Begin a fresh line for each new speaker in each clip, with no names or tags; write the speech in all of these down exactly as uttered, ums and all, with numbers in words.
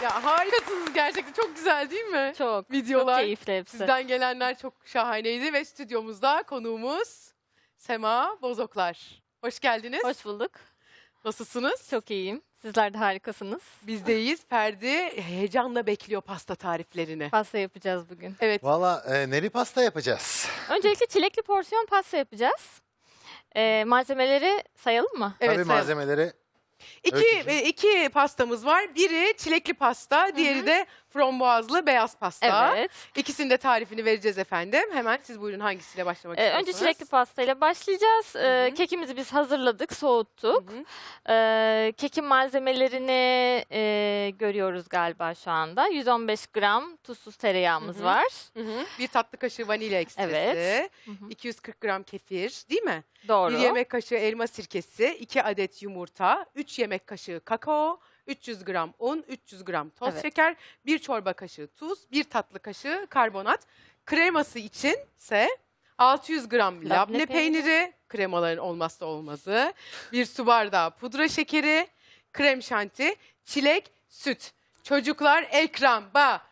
Ya harikasınız gerçekten. Çok güzel değil mi?
Çok.
Videolar.
Çok keyifli hepsi.
Sizden gelenler çok şahaneydi ve stüdyomuzda konuğumuz Sema Bozoklar. Hoş geldiniz.
Hoş bulduk.
Nasılsınız?
Çok iyiyim. Sizler de harikasınız.
Biz de iyiyiz. Ferdi heyecanla bekliyor pasta tariflerini.
Pasta yapacağız bugün.
Evet.
Valla e, neli pasta yapacağız.
Öncelikle çilekli porsiyon pasta yapacağız. Ee, malzemeleri sayalım mı?
Evet,
Tabii
sayalım.
malzemeleri
İki,
Öykücüğüm.
e, iki pastamız var. Biri çilekli pasta, diğeri de frambuazlı beyaz pasta.
Evet.
İkisinin de tarifini vereceğiz efendim. Hemen siz buyurun hangisiyle başlamak
Ee,
istiyorsunuz?
önce çilekli pastayla başlayacağız. Ee,
hı.
kekimizi biz hazırladık, soğuttuk.
Hı hı.
Ee, kekin malzemelerini e, görüyoruz galiba şu anda. yüz on beş gram tuzsuz tereyağımız
Hı hı.
var.
Hı hı. Bir tatlı kaşığı vanilya ekstresi.
Evet. Hı hı.
iki yüz kırk gram kefir, değil mi?
Doğru.
Bir yemek kaşığı elma sirkesi, iki adet yumurta, üç yemek kaşığı kakao, üç yüz gram un, üç yüz gram toz
Evet.
şeker, bir çorba kaşığı tuz, bir tatlı kaşığı karbonat. Kreması içinse altı yüz gram labne,
Labne peyniri.
peyniri, kremaların olmazsa olmazı, bir su bardağı pudra şekeri, krem şanti, çilek, süt. Çocuklar ekran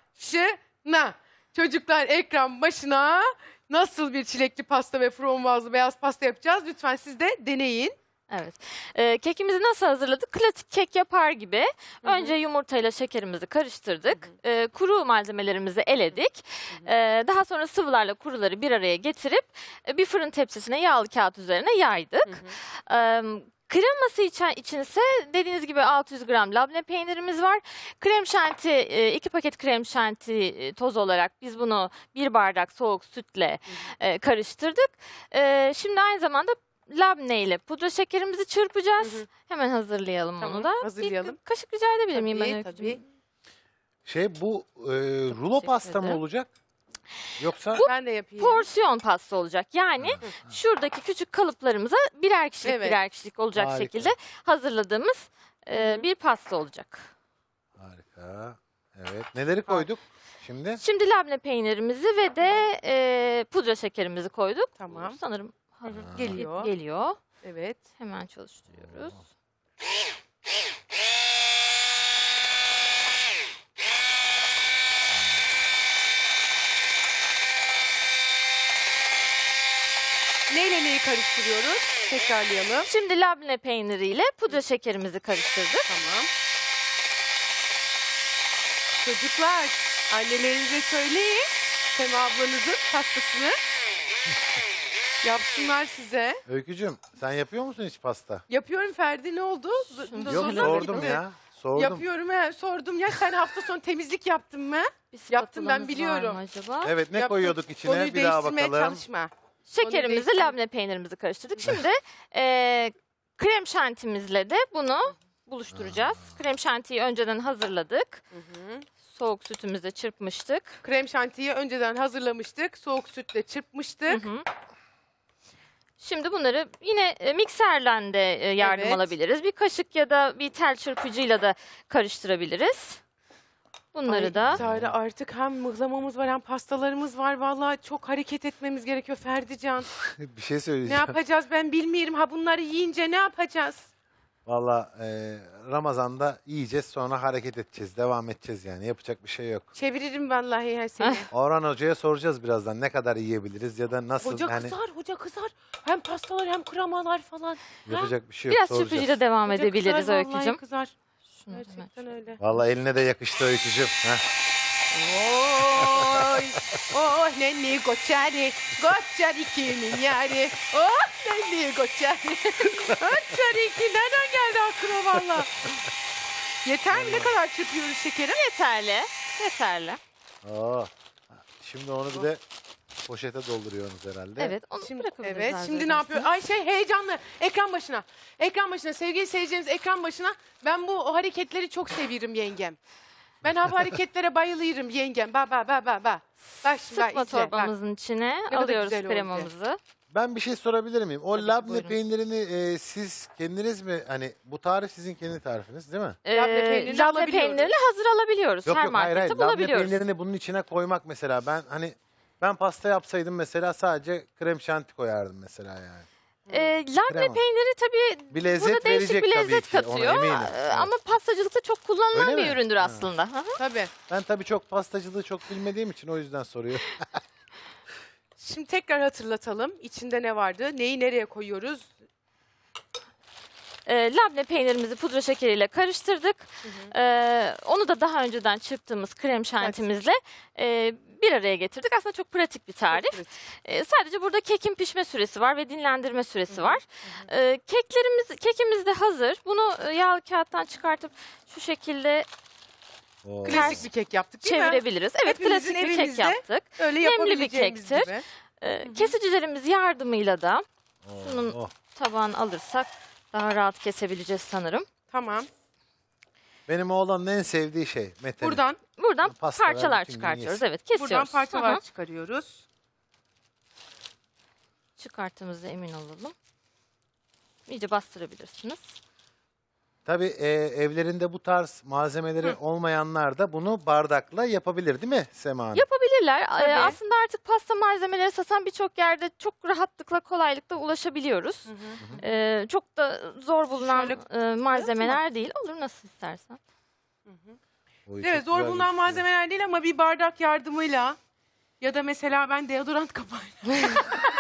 başına. Çocuklar ekran başına. Nasıl bir çilekli pasta ve frambuazlı beyaz pasta yapacağız? Lütfen siz de deneyin.
Evet. Ee, kekimizi nasıl hazırladık? Klasik kek yapar gibi.
Hı hı.
Önce yumurtayla şekerimizi karıştırdık. Ee, kuru malzemelerimizi eledik. Ee, daha sonra sıvılarla kuruları bir araya getirip e, bir fırın tepsisine yağlı kağıt üzerine yaydık.
Hı hı.
Ee, Kreması için, içinse dediğiniz gibi altı yüz gram labne peynirimiz var. Krem şanti, e, iki paket krem şanti e, toz olarak biz bunu bir bardak soğuk sütle e, karıştırdık. E, şimdi aynı zamanda labne ile pudra şekerimizi çırpacağız.
Hı hı.
Hemen hazırlayalım
Tamam,
onu da.
hazırlayalım.
Bir kaşık rica edebilir miyim
Tabii,
ben
tabii.
Öykücüğüm?
şey bu e, rulo
teşekkür
pasta mı
ederim.
olacak? Yoksa
Ben de yapayım.
Porsiyon pasta olacak. Yani şuradaki küçük kalıplarımıza birer kişilik
Evet.
birer kişilik olacak
Harika.
şekilde hazırladığımız e,
Hı hı.
bir pasta olacak.
harika. Evet. Neleri koyduk şimdi?
Şimdi labne peynirimizi ve de e, pudra şekerimizi koyduk.
Tamam.
Sanırım
Hı hı.
Aa.
Geliyor.
geliyor.
Evet.
Hemen çalıştırıyoruz.
Neyle neyi karıştırıyoruz? Tekrarlayalım.
Şimdi labne peyniriyle pudra şekerimizi karıştırdık.
Tamam. Çocuklar, annelerinize söyleyin. Sema ablanızın pastasını yapsınlar size.
Öykücüm sen yapıyor musun hiç pasta?
Yapıyorum Ferdi, ne oldu?
Şunu
Z-
Yok
zoruna mı
sordum
gitti?
ya. Sordum.
Yapıyorum he, sordum ya. Sen hafta sonu temizlik yaptın mı?
Bir
Yaptım, ben
spatulamız
biliyorum.
var mı acaba?
Evet ne
Yaptım.
koyuyorduk içine
Konuyu
bir daha
değiştirmeye
bakalım.
çalışma.
Şekerimizi,
değiştirelim.
labne peynirimizi karıştırdık. Şimdi e, krem şantimizle de bunu buluşturacağız. Krem şantiyi önceden hazırladık.
Hı hı.
Soğuk sütümüzle çırpmıştık.
Krem şantiyi önceden hazırlamıştık. Soğuk sütle çırpmıştık.
Hı hı. Şimdi bunları yine e, mikserle de e, yardım
Evet.
alabiliriz. Bir kaşık ya da bir tel çırpıcıyla da karıştırabiliriz. Bunları
Ay,
da
Zahra, artık hem mıhlamamız var hem pastalarımız var. Vallahi çok hareket etmemiz gerekiyor Ferdican.
bir şey
Ne
söyleyeceğim.
yapacağız ben bilmiyorum. Ha bunları yiyince ne yapacağız?
Valla e, Ramazan'da yiyeceğiz sonra hareket edeceğiz. Devam edeceğiz yani. Yapacak bir şey yok.
Çeviririm vallahi her seni.
Orhan Hoca'ya soracağız birazdan ne kadar yiyebiliriz ya da nasıl
Hoca
yani
kızar, hoca kızar. Hem pastalar hem kremalar falan.
yapacak bir şey yok.
biraz
soracağız.
çırpıcıyla devam
Hoca
edebiliriz
kızar, vallahi
Öykücüğüm.
kızar.
Şunu hemen
Gerçekten öyle.
Valla eline de yakıştı Öykücüm. Heh.
Oy, oh nenni goçari, goçari kimin yari, oh nenni goçari, goçari ki nereden geldi aklına valla? Yeter mi? Ne kadar çırpıyoruz şekerim?
Yeterli. Yeterli.
Oo. Şimdi onu bir de poşete dolduruyorsunuz herhalde.
Evet, onu
Şimdi,
bırakabiliriz.
evet,
arzu
şimdi ne yapıyor?
ederseniz.
Ay şey heyecanlı. Ekran başına. Ekran başına. Sevgili seyircilerimiz ekran başına. Ben bu o hareketleri çok seviyorum yengem. Ben ha bu hareketlere bayılırım yengem. Ba ba ba ba ba. Bak şimdi bak,
Sıkma
izle, bak.
torbamızın içine
kadar
alıyoruz
güzel oldu.
kremamızı.
Ben bir şey sorabilir miyim? O
Tabii ki,
labne
buyurun.
peynirini e, siz kendiniz mi hani bu tarif sizin kendi tarifiniz değil mi?
Labne peynirini
Ee, labne
alabiliyoruz.
peynirini hazır alabiliyoruz.
Yok
Her
yok hayır
markette
hayır. Labne
bulabiliyoruz.
peynirini bunun içine koymak mesela ben hani ben pasta yapsaydım mesela sadece krem şanti koyardım mesela yani.
E, labne
Krema.
peyniri tabii
Bir lezzet
burada değişik
verecek
bir
tabii
lezzet
ki, ona
katıyor.
eminim.
E,
Evet.
Ama pastacılıkta çok kullanılan
Öyle
bir
mi?
üründür
Ha.
aslında. Hı hı.
Tabii.
Ben tabii çok pastacılığı çok bilmediğim için o yüzden soruyorum.
Şimdi tekrar hatırlatalım. İçinde ne vardı? Neyi nereye koyuyoruz?
E, labne peynirimizi pudra şekeriyle karıştırdık. E, onu da daha önceden çırptığımız krem şantimizle e, bir araya getirdik. Aslında çok pratik bir tarif.
Evet.
E, sadece burada kekin pişme süresi var ve dinlendirme süresi var. E, keklerimiz, kekimiz de hazır. Bunu e, yağlı kağıttan çıkartıp şu şekilde
Oo.
Klasik bir kek yaptık değil mi?
çevirebiliriz. Evet,
Hepimizin
klasik bir kek
evimizde
yaptık.
Öyle
Nemli bir
yapabileceğimiz
kektir.
gibi.
E, kesicilerimiz yardımıyla da
Oo,
Bunun-
oh.
tabağını alırsak daha rahat kesebileceğiz sanırım.
Tamam.
Benim oğlanın en sevdiği şey Mete'nin.
Buradan
Buradan
Pastalar
parçalar
bütün gün
çıkartıyoruz.
yesin.
Evet, kesiyoruz.
buradan parçalar
Hı hı.
çıkarıyoruz.
Çıkarttığımızda emin olalım. İyice bastırabilirsiniz.
Tabii e, evlerinde bu tarz malzemeleri olmayanlar da bunu bardakla yapabilir değil mi Sema Hanım?
Yapabilirler. Ee,
Tabii.
aslında artık pasta malzemeleri satan birçok yerde çok rahatlıkla, kolaylıkla ulaşabiliyoruz.
Hı hı.
Ee, çok da zor bulunan
Şöyle
e, malzemeler değil. Olur, nasıl istersen.
Oy,
Evet,
çok
zor
güzel
bulunan
gözüküyor.
malzemeler değil ama bir bardak yardımıyla ya da mesela ben deodorant kapağıyla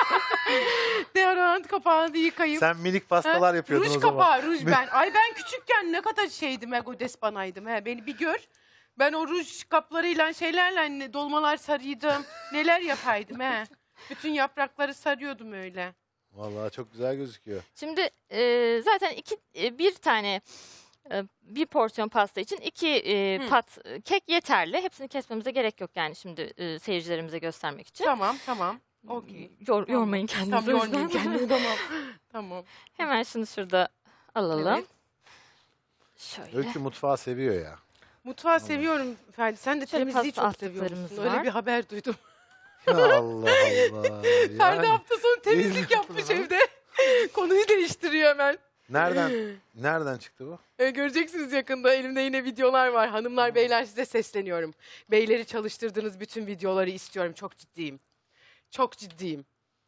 deodorant kapağını yıkayıp
Sen minik pastalar
Ha,
yapıyordun
ruj
o zaman.
kapağı, ruj ben. Ay ben küçükken ne kadar şeydim, ego despanaydım. He, beni bir gör. Ben o ruj kaplarıyla şeylerle hani dolmalar sarıyordum. Neler yapaydım he. Bütün yaprakları sarıyordum öyle.
Vallahi çok güzel gözüküyor.
Şimdi e, zaten iki e, bir tane e, bir porsiyon pasta için iki e,
Hı.
pat e, kek yeterli. Hepsini kesmemize gerek yok yani şimdi e, seyircilerimize göstermek için.
Tamam, tamam. Okey.
Yor,
Tamam.
Yormayın kendinizi.
Tamam,
o
yormayın
yüzden.
kendimi, tamam. Tamam.
Hemen şunu şurada alalım.
Evet.
Şöyle.
Öykü mutfağı seviyor ya.
Mutfağı seviyorum Ferdi. Sen de
Şöyle
temizliği
pasta
çok seviyorsun.
attıklarımız
Öyle
var.
bir haber duydum.
Allah Allah.
Ferdi
Yani
hafta sonu temizlik
Değil.
yapmış evde. Konuyu değiştiriyor hemen.
nereden nereden çıktı bu?
E, göreceksiniz yakında. Elimde yine videolar var. Hanımlar, beyler, size sesleniyorum. Beyleri çalıştırdığınız bütün videoları istiyorum. Çok ciddiyim. Çok ciddiyim.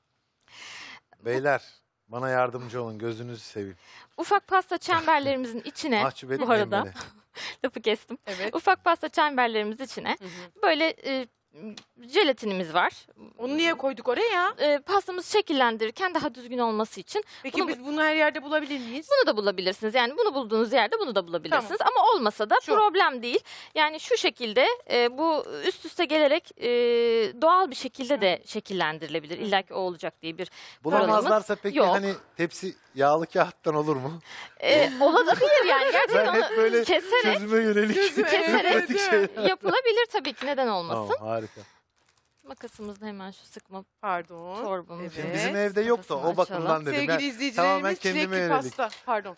Beyler bana yardımcı olun gözünüzü seveyim.
Ufak pasta çemberlerimizin içine
Mahcup
bu
etmeyin
arada
beni.
lafı kestim.
Evet.
Ufak pasta çemberlerimizin içine
Hı hı.
böyle e, jelatinimiz var.
Onu niye koyduk oraya?
E, pastamızı şekillendirirken daha düzgün olması için
Peki
Bunu-
biz bunu her yerde bulabilir miyiz?
bunu da bulabilirsiniz. Yani bunu bulduğunuz yerde bunu da bulabilirsiniz. Ama olmasa da
Şu.
problem değil. Yani şu şekilde e, bu üst üste gelerek e, doğal bir şekilde de şekillendirilebilir. İlla ki o olacak diye bir
Bulamazlarsa peki
yok.
hani tepsi yağlı kağıttan olur mu?
e, olabilir yani. Gerçekten
Ben hep
onu
böyle
keserek
çözüme yönelik
Çözüme,
keserek
pratik şeyler.
yapılabilir tabii ki, neden olmasın.
Tamam harika.
Makasımızda hemen şu sıkma
Pardon.
torbamızı.
Evet.
Şimdi bizim evde yok da o
Kafasını
bakımdan
açalım.
dedim.
Sevgili
Ben
izleyicilerimiz,
tamamen kendime
çilekli
yönelik.
pasta. Pardon.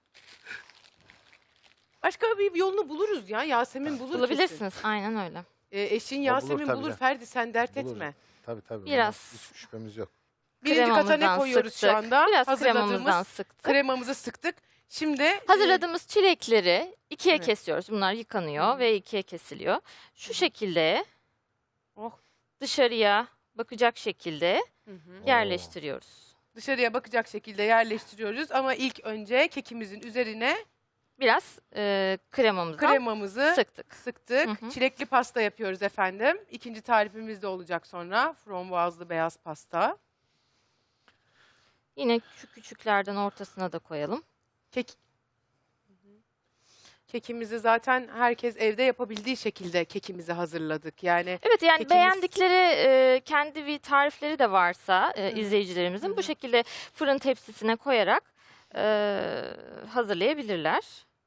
Başka bir yolunu buluruz ya. Yasemin bulur kesin.
Bulabilirsiniz. Aynen öyle.
E, eşin
O bulur
Yasemin
tabii
bulur.
de.
Ferdi sen dert
Bulur.
etme.
Tabii tabii.
Biraz.
ona Hiç şüphemiz yok.
Birinci kata ne
Kremamızdan
koyuyoruz
sıktık.
şu anda?
Biraz
Hazırladığımız
kremamızdan sıktık.
kremamızı sıktık. Şimdi e,
Hazırladığımız çilekleri ikiye
Evet.
kesiyoruz. Bunlar yıkanıyor
Hı.
ve ikiye kesiliyor. Şu şekilde
Oh.
dışarıya bakacak şekilde
Hı hı.
yerleştiriyoruz.
Dışarıya bakacak şekilde yerleştiriyoruz ama ilk önce kekimizin üzerine
Biraz e, kremamızdan
kremamızı
sıktık.
sıktık.
Hı hı.
Çilekli pasta yapıyoruz efendim. İkinci tarifimiz de olacak sonra. Frambuazlı beyaz pasta.
Yine şu küçüklerden ortasına da koyalım.
Kek Kekimizi zaten herkes evde yapabildiği şekilde kekimizi hazırladık. Yani
Evet, yani
Kekimiz-
beğendikleri e, kendi bir tarifleri de varsa e,
Hı.
izleyicilerimizin
Hı
bu
hı.
şekilde fırın tepsisine koyarak e, hazırlayabilirler.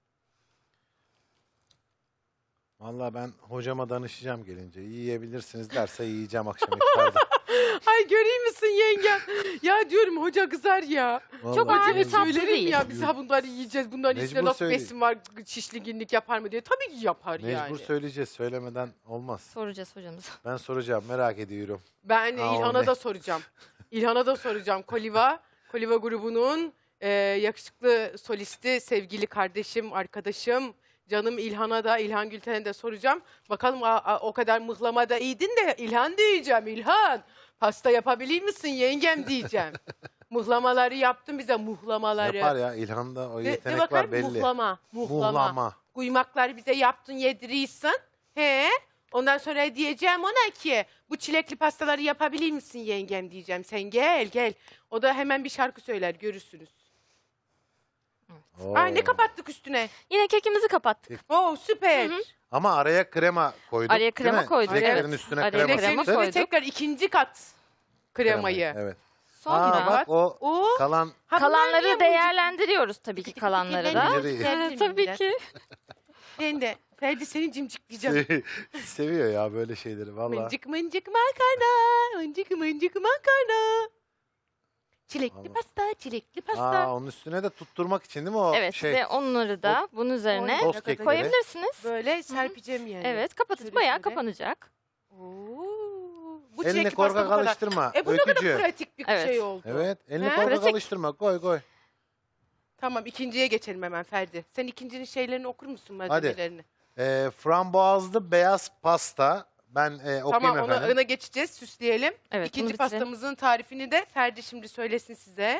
Vallahi ben hocama danışacağım gelince. Yiyebilirsiniz derse yiyeceğim akşam iftarda.
ay göreyim misin yengem? Ya diyorum hoca kızar ya.
Çok
Vallahi
ağır bir
yiyebilirim.
tatlı
Söylerim
değil.
ya biz ha bunları yiyeceğiz. Bunların içinde
Mecbur
nasıl
söyle-
besin var, şişli günlük yapar mı diye. Tabii ki yapar
Mecbur
yani.
söyleyeceğiz. Söylemeden olmaz.
Soracağız hocamıza.
Ben soracağım. Merak ediyorum.
Ben
Aa,
İlhan'a
ne?
da soracağım. İlhan'a da soracağım. Koliva, Koliva grubunun e, yakışıklı solisti, sevgili kardeşim, arkadaşım, canım İlhan'a da, İlhan Gülten'e de soracağım. Bakalım a, a, o kadar mıhlamada iyiydin de İlhan diyeceğim. İlhan, pasta yapabilir misin yengem diyeceğim. Muhlamaları yaptın bize, muhlamaları.
Yapar ya, İlhan'da o
De, de
yetenek
bakayım,
var belli.
muhlama, muhlama.
Muhlama.
Kuymakları bize yaptın, yedirirsin. He? Ondan sonra diyeceğim ona ki bu çilekli pastaları yapabilir misin yengem diyeceğim. Sen gel gel. O da hemen bir şarkı söyler, görürsünüz.
Oo.
Ay ne kapattık üstüne?
Yine kekimizi kapattık.
Oo süper.
Hı hı.
Ama araya krema koyduk.
Araya
değil
krema
mi?
koyduk,
Çileklerin
evet.
üstüne
Araya
krema
krema
Çileklerin
sıktık.
üstüne
koyduk.
tekrar ikinci kat kremayı.
Evet.
Sonra
Aa, bak o
Oo.
kalan
Ha, bunlar niye
kalanları
mucuk-
değerlendiriyoruz tabii ki kalanları da.
Mucuk-
Evet, tabii ki.
Ben de Ferdi seni cimcikleyeceğim.
seviyor ya böyle şeyleri valla.
Mıncık mıncık makarna, mıncık mıncık makarna. Çilekli
Vallahi.
pasta, çilekli pasta.
Aa, onun üstüne de tutturmak için değil mi o
Evet
şey?
ve onları da bunun üzerine
Oy,
Toz kekleri.
koyabilirsiniz.
Böyle serpeceğim yani.
Evet, kapatıp
Şöyle
bayağı
şöyle.
kapanacak.
Oo. Bu
Elini
çilekli pasta
korkak
bu kadar.
alıştırma.
E bu ne kadar
Öykücü.
pratik bir
Evet.
şey oldu.
Evet, elini
He?
korkak
Pratik.
alıştırma. Koy koy.
Tamam, ikinciye geçelim hemen Ferdi. Sen ikincinin şeylerini okur musun,
Hadi.
malzemelerini?
Ee, frambuazlı beyaz pasta. Ben e, okuyayım
Tamam, ona,
efendim.
ona geçeceğiz, süsleyelim.
Evet, bunu
İkinci
bitirelim.
pastamızın tarifini de Ferdi şimdi söylesin size.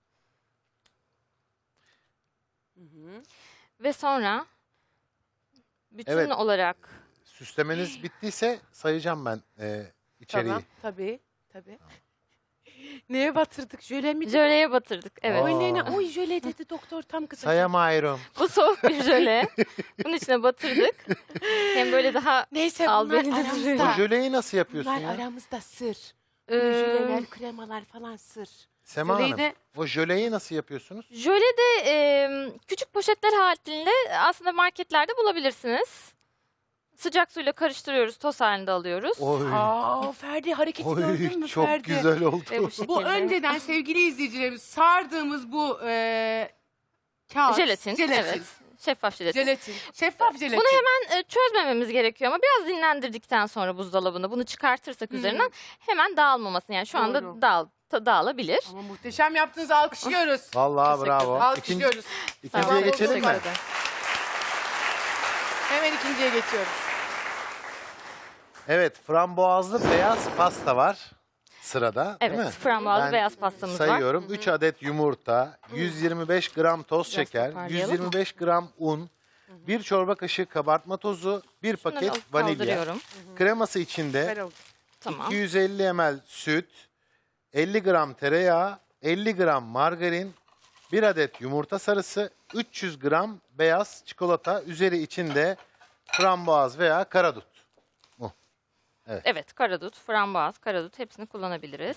Hı hı.
Ve sonra bütün
Evet.
olarak
Süslemeniz bittiyse sayacağım ben e, içeriği.
Tamam, tabii, tabii. Neye batırdık? Jöle mi?
jöleye batırdık. Evet.
Aa.
Oy nene, oy jöle dedi doktor tam kısa.
Sayamıyorum.
Bu soğuk bir jöle. Bunun içine batırdık. Hem böyle daha
Neyse
Al
bunlar
beni de
Bu
duruyor.
aramızda.
jöleyi nasıl yapıyorsun
Bunlar
ya?
aramızda sır.
e,
Böyle jöleler, kremalar falan sır.
Sema
Jöleyi
Hanım,
de
o jöleyi nasıl yapıyorsunuz?
jöle de e, küçük poşetler halinde aslında marketlerde bulabilirsiniz. Sıcak suyla karıştırıyoruz, toz halinde alıyoruz.
Oy,
aa Ferdi hareketi gördün
oy
mü
çok
Ferdi?
güzel oldu.
Ve bu şekilde.
Bu önceden sevgili izleyicilerimiz sardığımız bu e, kağıt.
Jelatin,
Jelatin.
evet. Şeffaf jelatin.
Jelatin. Şeffaf jelatin.
Bunu hemen e, çözmememiz gerekiyor ama biraz dinlendirdikten sonra buzdolabında bunu çıkartırsak
Hı.
üzerinden hemen dağılmamasın. Yani şu anda
Doğru.
dağıl, ta- dağılabilir.
Ama muhteşem yaptınız, alkışlıyoruz.
Vallahi
Teşekkür
bravo. İkinci,
Alkışlıyoruz.
ikinciye
Tamam,
geçelim mi?
teşekkür ederim.
Hemen ikinciye geçiyoruz.
Evet, frambuazlı beyaz pasta var sırada, değil mi?
Evet, frambuazlı
Ben
beyaz pastamız var.
Sayıyorum. üç adet yumurta, yüz yirmi beş gram toz
Biraz
şeker,
toparlayalım
yüz yirmi beş gram un, bir çorba kaşığı kabartma tozu, bir
Şunları
paket
alıp
vanilya.
kaldırıyorum.
Kreması
Ver
içinde
oğlum.
Tamam.
iki yüz elli mililitre süt, elli gram tereyağı, elli gram margarin, bir adet yumurta sarısı, üç yüz gram beyaz çikolata, üzeri içinde frambuaz veya karadut.
Evet, karadut, frambuaz, karadut hepsini kullanabiliriz.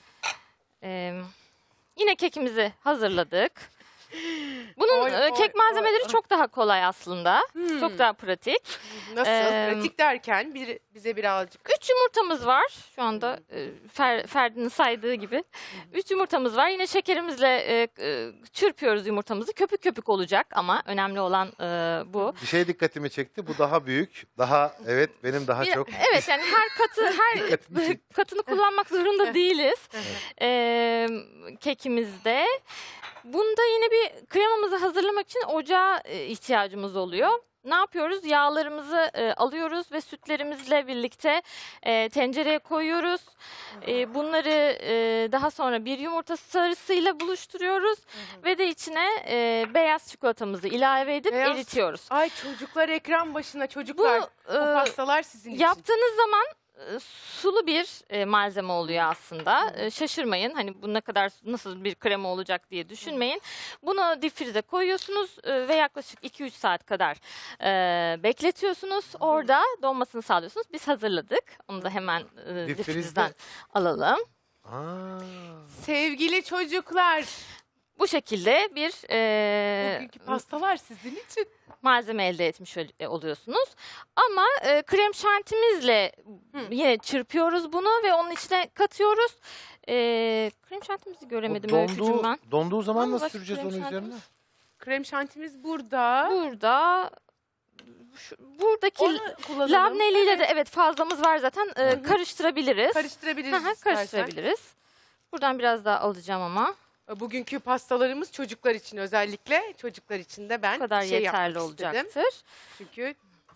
Ee, yine kekimizi hazırladık. Bunun
Oy,
e,
oy,
kek malzemeleri
oy, oy.
çok daha kolay aslında.
Hmm.
Çok daha pratik.
Nasıl?
Eee,
Pratik derken bir, bize birazcık.
Üç yumurtamız var. Şu anda e, Fer, Ferdi'nin saydığı gibi. Üç yumurtamız var. Yine şekerimizle e, e, çırpıyoruz yumurtamızı. Köpük köpük olacak ama önemli olan e, bu.
Bir şey dikkatimi çekti. Bu daha büyük. Daha evet benim daha
Bir-
çok.
Evet yani her katı her
Dikkatimi çekti.
katını kullanmak zorunda değiliz. Ee, kekimizde. Bunda yine bir kremamızı hazırlamak için ocağa e, ihtiyacımız oluyor. Ne yapıyoruz? Yağlarımızı e, alıyoruz ve sütlerimizle birlikte e, tencereye koyuyoruz. E, bunları e, daha sonra bir yumurta sarısıyla buluşturuyoruz ve de içine e, beyaz çikolatamızı ilave edip
Beyaz-
eritiyoruz.
Ay çocuklar ekran başına,
Bu
çocuklar. Bu
e,
pastalar sizin için.
yaptığınız zaman e, sulu bir e, malzeme oluyor aslında. E, şaşırmayın. Hani bu ne kadar nasıl bir krema olacak diye düşünmeyin. Bunu difrize koyuyorsunuz e, ve yaklaşık iki üç saat kadar e, bekletiyorsunuz. Orada donmasını sağlıyorsunuz. Biz hazırladık. Onu da hemen e,
Difrizde-
difrizden alalım.
Aa,
Sevgili çocuklar,
Bu şekilde bir e,
bugünkü pastalar sizin için.
malzeme elde etmiş ol- e, oluyorsunuz. Ama e, krem şantimizle
Hı.
yine çırpıyoruz bunu ve onun içine katıyoruz. E, krem şantimizi
o
göremedim öykücüm
donduğu,
ben.
donduğu zaman
Ama
nasıl
başka
süreceğiz
krem
onun üzerine?
şantimiz-
Krem şantimiz burada.
Burada şu, buradaki
Onu kullanalım.
labneliyle de evet fazlamız var zaten. E,
hı.
karıştırabiliriz.
Karıştırabiliriz
Hı hı,
istersen.
karıştırabiliriz. Buradan biraz daha alacağım ama
Bugünkü pastalarımız çocuklar için, özellikle çocuklar için de ben
bu kadar
şey
yeterli
yapmak istedim.
olacaktır.
Çünkü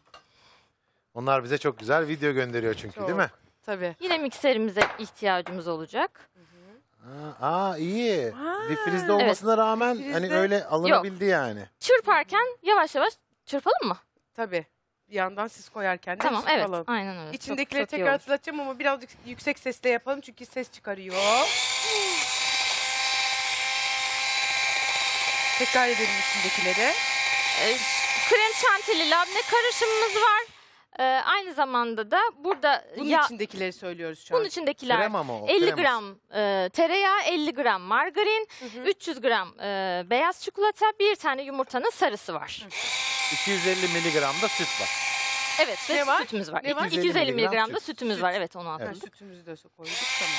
Onlar bize çok güzel video gönderiyor çünkü
Çok.
değil mi?
tabii.
Yine mikserimize ihtiyacımız olacak.
Aa, aa, iyi.
Ha,
Difrizde olmasına rağmen
difrizde-
hani öyle alınabildi yani.
Çırparken yavaş yavaş çırpalım mı?
Tabii. Bir yandan siz koyarken de
Tamam, evet.
çıkalım.
Aynen öyle. Çok-
İçindekileri
çok iyi
tekrar
olur.
hatırlatacağım ama birazcık yüksek sesle yapalım çünkü ses çıkarıyor. Tekrar edelim içindekileri.
Ee, krem şantili labne karışımımız var. Ee, aynı zamanda da burada
Bunun
ya,
içindekileri söylüyoruz şu an.
bunun içindekiler
Krema mı o?
elli
Kreması.
gram e, tereyağı, elli gram margarin,
Hı hı.
üç yüz gram e, beyaz çikolata, bir tane yumurtanın sarısı var.
iki yüz elli miligram da süt var.
Evet, ve
Ne var?
sütümüz var.
Ne var?
iki yüz elli miligram da
miligram süt.
sütümüz
Süt.
var. Evet, onu
Ha,
atladık.
sütümüzü de koyduk tamam.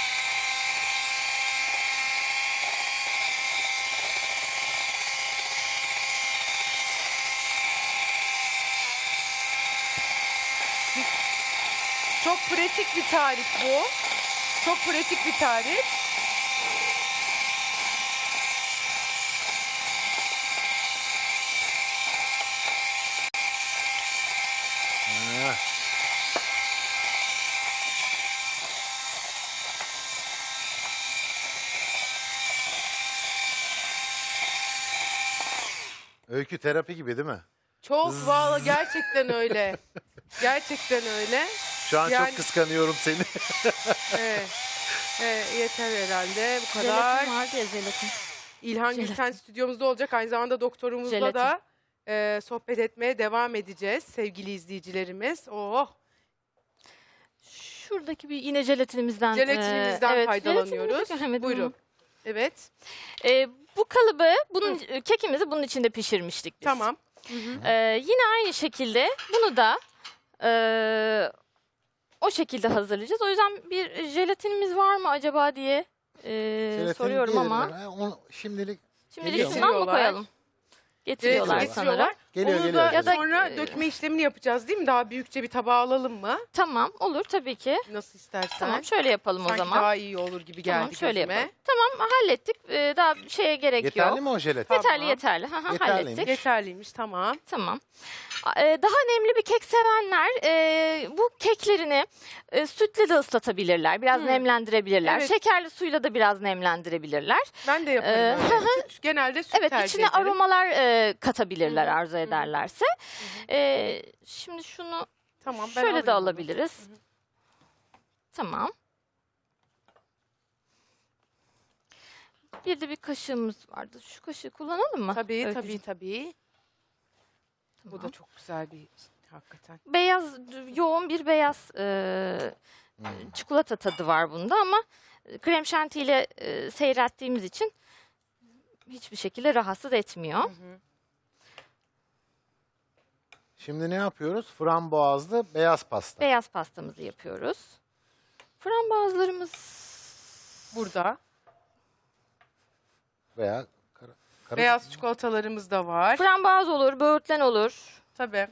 Çok pratik bir tarif bu. Çok pratik bir tarif.
Ha. Öykü terapi gibi değil mi?
Çok valla gerçekten öyle. Gerçekten öyle.
Şu an
Yani-
çok kıskanıyorum seni.
Evet. Evet, yeter herhalde bu kadar.
Jelatin vardı ya, jelatin.
İlhan
Jelatin.
Gülten stüdyomuzda olacak. Aynı zamanda doktorumuzla
Jelatin.
da e, sohbet etmeye devam edeceğiz sevgili izleyicilerimiz. Oh,
Şuradaki bir yine jelatinimizden,
jelatinimizden
e, evet,
faydalanıyoruz.
jelatinimizi göremedim.
Buyurun. Evet,
E, bu kalıbı, bunun kekimizi bunun içinde pişirmiştik biz.
tamam.
E, yine aynı şekilde bunu da e, o şekilde hazırlayacağız. O yüzden bir jelatinimiz var mı acaba diye e,
Jelatin
soruyorum
gelir
ama.
mi? Ha, onu şimdilik
Şimdilik
Geliyor mu?
şundan mı
Getiriyorlar.
koyalım? Getiriyorlar
Jelatin
sanırım.
getiriyorlar.
geliyor
Onu
geliyor.
da
Ya da-
sonra
e,
dökme işlemini yapacağız değil mi? Daha büyükçe bir tabağa alalım mı?
Tamam, olur tabii ki.
Nasıl istersen.
Tamam, şöyle yapalım o
Sanki
zaman.
daha iyi olur gibi geldi
Tamam, şöyle
gözüme.
yapalım. Tamam, hallettik. Ee, daha bir şeye gerek
Yeterli
yok.
mi o jelatin?
Tamam.
Yeterli, yeterli. Hı hı,
Yeterliymiş.
hallettik.
Yeterliymiş, tamam.
Tamam. Ee, daha nemli bir kek sevenler e, bu keklerini e, sütle de ıslatabilirler. Biraz
Hmm.
nemlendirebilirler.
Evet.
Şekerli suyla da biraz nemlendirebilirler.
Ben de yaparım.
Ee,
öyle. Süt, genelde süt
Evet,
tercih
içine
ederim.
aromalar e, katabilirler
Hı hı,
arzu
hı hı.
ederlerse. Ee, şimdi şunu
Tamam, ben
şöyle
alayım
de
onu.
alabiliriz. Tamam. Bir de bir kaşığımız vardı. Şu kaşığı kullanalım mı?
Tabii,
Öykücüğüm?
tabii, tabii. Bu
Tamam.
da çok güzel bir hakikaten.
Beyaz, yoğun bir beyaz e,
Hmm.
çikolata tadı var bunda ama krem şanti ile e, seyrettiğimiz için hiçbir şekilde rahatsız etmiyor.
Hı hı.
Şimdi ne yapıyoruz? Frambuazlı beyaz pasta.
Beyaz pastamızı yapıyoruz. Frambuazlarımız
Burada
Veya kara, kara-
beyaz çikolatalarımız da var.
frambuaz olur, böğürtlen olur,
Tabii.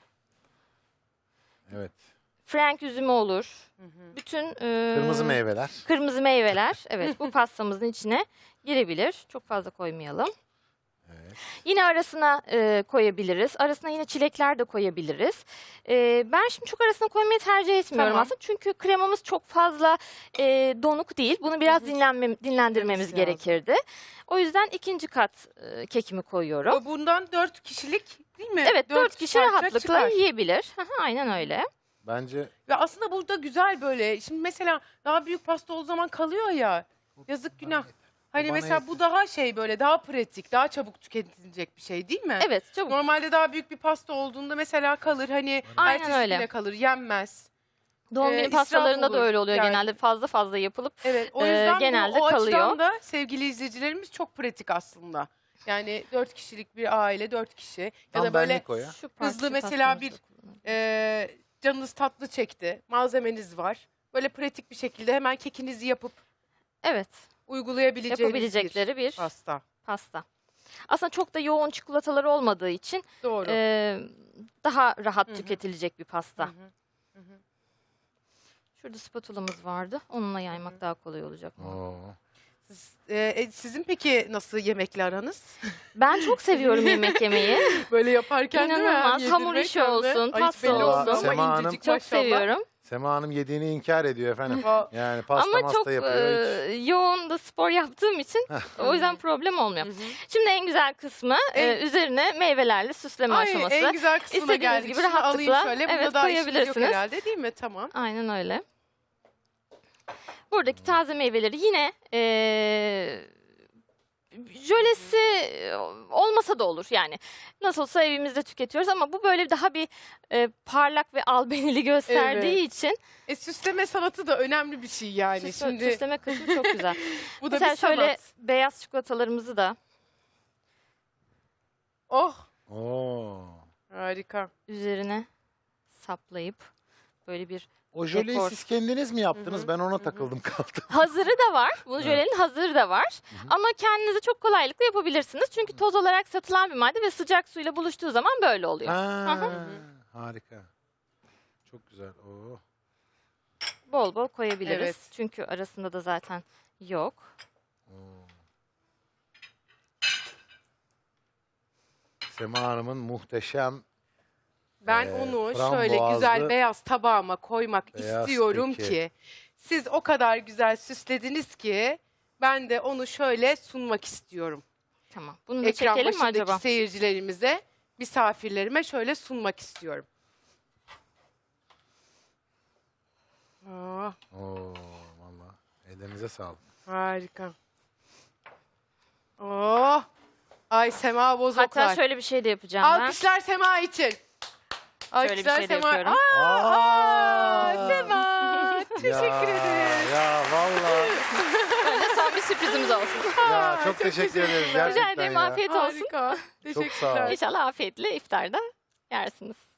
Evet.
frenk üzümü olur.
Hı hı.
Bütün e,
Kırmızı meyveler.
kırmızı meyveler, evet, bu pastamızın içine girebilir. Çok fazla koymayalım.
Evet.
Yine arasına e, koyabiliriz. Arasına yine çilekler de koyabiliriz. E, ben şimdi çok arasına koymayı tercih etmiyorum
Tamam.
aslında. Çünkü kremamız çok fazla e, donuk değil. Bunu biraz
Hı hı.
dinlenmem, dinlendirmemiz
Dinlenmesi
gerekirdi. O yüzden ikinci kat e, kekimi koyuyorum.
O bundan dört kişilik değil mi?
Evet, dört kişi
parça
rahatlıkla
çıkar.
yiyebilir. Hı hı, aynen öyle.
Bence
Ve aslında burada güzel böyle. Şimdi mesela daha büyük pasta o zaman kalıyor ya. Yazık günah. Hani
bana
mesela
yeter.
bu daha şey böyle daha pratik, daha çabuk tüketilecek bir şey değil mi?
Evet, çabuk.
Normalde daha büyük bir pasta olduğunda mesela kalır hani
Aynen
ertesi
öyle.
güne kalır, yenmez.
Doğum
e,
günü
israf
pastalarında da
olur
öyle oluyor
yani.
genelde. Fazla fazla yapılıp
Evet, o
Ee,
yüzden
genelde
bu, o
kalıyor.
açıdan da sevgili izleyicilerimiz çok pratik aslında. Yani dört kişilik bir aile, dört kişi ya
tam
da böyle
benlik o ya.
şu
hızlı
parça
mesela
pastamızı
bir-
da kullanalım.
e, canınız tatlı çekti, malzemeniz var. Böyle pratik bir şekilde hemen kekinizi yapıp
Evet,
uygulayabileceğiniz
yapabilecekleri bir
bir pasta.
pasta. Aslında çok da yoğun çikolatalar olmadığı için
Doğru.
e, daha rahat
Hı hı.
tüketilecek bir pasta.
Hı hı. Hı hı.
Şurada spatulamız vardı. Onunla yaymak daha kolay olacak.
Oo.
Siz- e, e, sizin peki nasıl yemekle aranız?
Ben çok seviyorum yemek yemeyi.
Böyle yaparken değil mi?
İnanılmaz.
Hem
Hamur
yedirmek
işi
hem de-
olsun,
Ay,
pasta
belli oldu
olsun.
ama
Sema Hanım-
incecik
Çok
maşallah.
seviyorum.
Sema Hanım yediğini inkar ediyor efendim.
O-
Yani pasta
Ama
masta
çok
yapıyor.
e,
hiç.
yoğun da spor yaptığım için o yüzden problem olmuyor.
Hı hı.
Şimdi en güzel kısmı e,
En-
üzerine meyvelerle süsleme
Ay,
aşaması.
en güzel kısmına
İstediğiniz
geldik.
gibi
Şunu alayım
rahatlıkla,
şöyle. Bunda
evet,
daha işimiz yok
koyabilirsiniz.
herhalde değil mi? Tamam.
Aynen öyle. Buradaki taze meyveleri yine eee jölesi olmasa da olur yani. Nasıl olsa evimizde tüketiyoruz ama bu böyle daha bir e, parlak ve albenili gösterdiği
Evet.
için
E, süsleme sanatı da önemli bir şey yani.
süsle-
Şimdi
süsleme kısmı çok güzel.
bu da
Mesela
bir sanat.
şöyle beyaz çikolatalarımızı da
Oh,
Oo.
harika.
üzerine saplayıp böyle bir
O jöleyi
Dekor.
siz kendiniz mi yaptınız?
Hı hı,
Ben ona
hı.
takıldım kaldım.
hazırı da var. Bu jölenin hazırı da var. Ama kendinize çok kolaylıkla yapabilirsiniz. Çünkü toz olarak satılan bir madde ve sıcak suyla buluştuğu zaman böyle oluyor.
Ha,
hı.
harika. Çok güzel. Oo.
Bol bol koyabiliriz.
Evet.
Çünkü arasında da zaten yok.
Oo. Sema Hanım'ın muhteşem
Ben
Ee,
onu
frambuazlı
şöyle güzel beyaz tabağıma koymak
beyaz
istiyorum
keki.
ki siz o kadar güzel süslediniz ki ben de onu şöyle sunmak istiyorum.
Tamam. Bunu da
Ekran
çekelim mi
başındaki
acaba?
seyircilerimize, misafirlerime şöyle sunmak istiyorum. Aa,
Oo, valla. Ellerinize sağlık.
harika. Oh. Ay Sema Bozoklar.
Hatta şöyle bir şey de yapacağım ben.
Alkışlar Sema için. Alkışlar
bir şey de
Sema.
yapıyorum.
Aa,
Aa!
aa, Sema. Teşekkür
ya,
ederim.
Ya valla.
Böyle son bir sürprizimiz olsun.
Ya çok,
çok
teşekkür
teşekkür
ederim.
ederim.
Gerçekten
Rica ederim,
ya.
afiyet olsun.
Harika.
Çok sağ ol.
Teşekkürler.
İnşallah afiyetle iftarda yersiniz.